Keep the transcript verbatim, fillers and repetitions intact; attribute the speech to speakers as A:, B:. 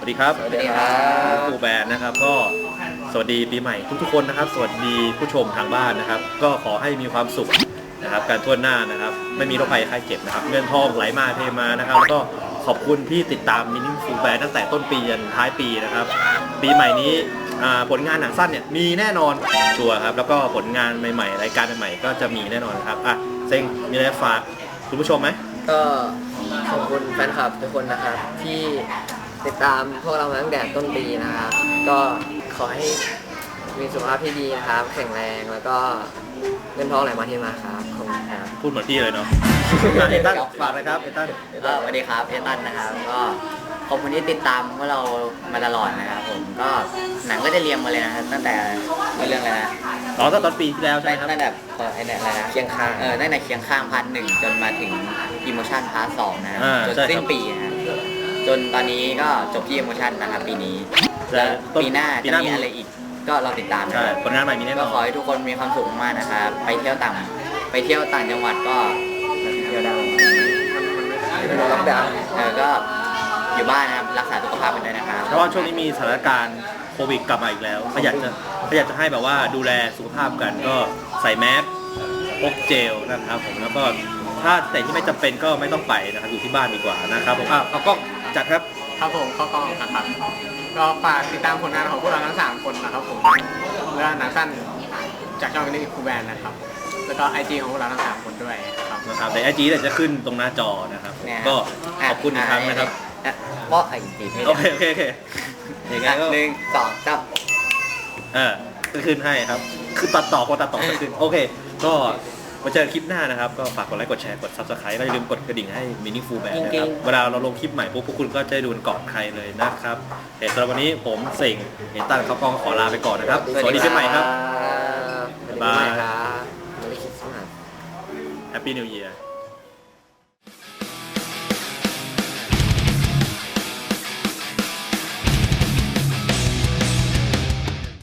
A: วัสดีครับ
B: สวัสดีครับ
A: ฟูแบนนะครับก็สวัสดีปีใหม่ทุกๆคนนะครับสวัสดีผู้ชมทางบ้านนะครับก็ขอให้มีความสุขนะครับการทั่วหน้านะครับไม่มีโรคภัยไข้เจ็บนะครับเงินทองไหลมาเทมานะครับแล้วก็ขอบคุณที่ติดตามมินิฟูแบนตั้งแต่ต้นปีจนท้ายปีนะครับปีใหม่นี้ผลงานหนังสั้นเนี่ยมีแน่นอนชัวร์ครับแล้วก็ผลงานใหม่ๆรายการใหม่ๆก็จะมีแน่นอนครับอ่ะเซ็งมีอะไรฝากคุณผู้ชมไหม
B: ก็ขอบคุณแฟนคลับทุกคนนะครับที่ติดตามพวกเรามาตั้งแต่ต้นปีนะครับก็ขอให้มีสุขภาพที่ดีนะครับแข็งแรงแล้วก็เงินทองไหลมาเทมาครับขอบคุณครับ
A: พูดเหมือนพี่เลยเนาะเอตันฝากเลยครับเอตัน
C: ก็สวัสดีครับเอตันนะครับก็ขอบคุณที่ติดตามพวกเรามาตลอดนะครับผมก็หนังก็จะเรียงมาเลยนะครับตั้งแต่เรื่องอะไรนะ
A: อ๋อตั้งตอนปีที่แล้วใช่ไหมครับ
C: ตั้งแต่ไอ้เนี่ยอะไรนะ
B: เคียงข้าง
C: เออตั้งแต่เคียงข้างพาร์ทหนึ่งจนมาถึงอิโมชันพาร์ทสองนะครับ
A: อ่า
C: จน
A: ใช่ครับ
C: สิ้นปีนะจนตอนนี้ก็จบที่อิโมชันนะครับปีนี้
A: และ
C: แล้ว
A: ต้น
C: ปีหน้า
A: ปี
C: จะ
A: หน้ามี
C: มีอะไรอีก ก็รอติดตามนะ
A: ใช่
C: ครับ
A: ผลงานใหม่มีแน่น
C: ก็
A: อน
C: ขอให้ทุกคนมีความสุขมากนะครับไปเที่ยวต่างไปเที่ยวต่างจังหวัดก็เที่ยวได้
B: ล็อกดาวน์
C: เออก็อยู่บ้านนะครับรักษาสุขภาพกันด้วยนะครับ
A: เพราะว่าช่วงนี้มีสถานการณ์โควิดกลับมาอีกแล้วก็อยากจะก็อยากจะให้แบบว่าดูแลสุขภาพกันก็ใส่แมสพกเจลนะครับผมแล้วก็ถ้าแต่ที่ไม่จำเป็นก็ไม่ต้องไปนะครับอยู่ที่บ้านดีกว่านะครับผมอ่ะเอากล้องจัดครับ
D: ครับผมเข้ากล้องนะครับก็ฝากติดตามผลงานของพวกเราทั้งสามคนนะครับผมและหนังสั้นจากช่องนี้คูแบนนะครับแล้วก็ไอจีของพวกเราทั้งสามคนด้วยครับ
A: นะครับในไอจีเดี๋ยวจะขึ้นตรงหน้าจอนะครับ
C: เนี่ย
A: ก็ขอบคุณอีกครั้งนะครับ
C: เพราะไอ้จีไม่
A: โอ
C: ได้
A: เคโอเคโอเคอย่างงั้นก็
C: หนึ่งสองสาม
A: เออก็ขึ้นให้ครับคือตัดต่อคนตัดต่อก็ขึ้นโอเคก็มาเจอคลิปหน้านะครับก็ฝากกดไลค์กดแชร์กด ซับสไครบ์ แล้วอย่าลืมกดกระดิ่งให้ Meaningful Band นะครับเวลาเราลงคลิปใหม่ปุ๊บพวกคุณก็จะได้ดูก่อนใครเลยนะครับเดี๋ยวสำหรับวันนี้ผมเส่งเห็นตั้นเขากองขอลาไปก่อนนะครับสวัสดีปีใหม่ครับ
B: สวัสดีปีใหม่ครับ Merry Christmas
A: Happy New Year